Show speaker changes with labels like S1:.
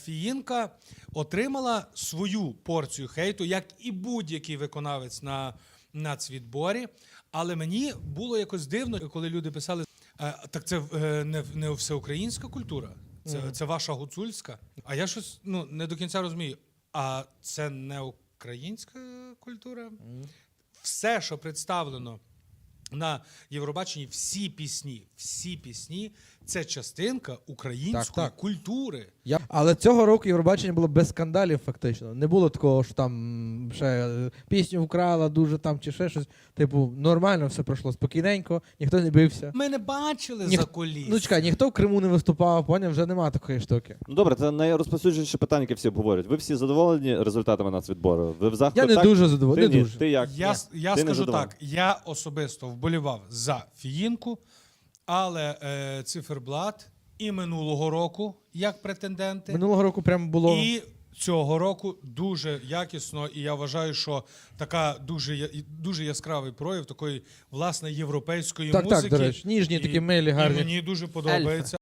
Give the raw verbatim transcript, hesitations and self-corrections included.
S1: Фіїнка отримала свою порцію хейту, як і будь-який виконавець на нацвідборі. Але мені було якось дивно, коли люди писали, так це не, не всеукраїнська культура, це, mm. це ваша гуцульська. А я щось ну, не до кінця розумію, а це не українська культура? Mm. Все, що представлено на Євробаченні, всі пісні, всі пісні – це частинка української
S2: так, так.
S1: культури.
S2: Я... Але цього року Євробачення було без скандалів фактично. Не було такого, що там ще пісню вкрала дуже там чи ще щось. Типу, нормально все пройшло спокійненько, ніхто не бився.
S1: Ми не бачили
S2: Ніх...
S1: за куліс.
S2: Ну чекай, ніхто в Криму не виступав, поняв, вже немає такої штуки.
S3: Ну добре, це найрозповсюдженіше питання, яке всі обговорюють. Ви всі задоволені результатами нацвідбору? Ви в захваті?
S2: Я не
S3: так?
S2: дуже задоволений,
S3: Ти,
S2: не
S3: ні.
S2: дуже.
S3: Ти як?
S1: Я, я
S3: Ти
S1: скажу так, я особисто вболівав за Фіїнку, але е, Циферблат і минулого року як претенденти,
S2: Минулого року прямо було...
S1: і цього року дуже якісно, і я вважаю, що така дуже, дуже яскравий прояв такої, власне, європейської
S2: так,
S1: музики.
S2: Так, до речі, ніжні
S1: і,
S2: такі милі, гарні.
S1: І мені дуже подобається.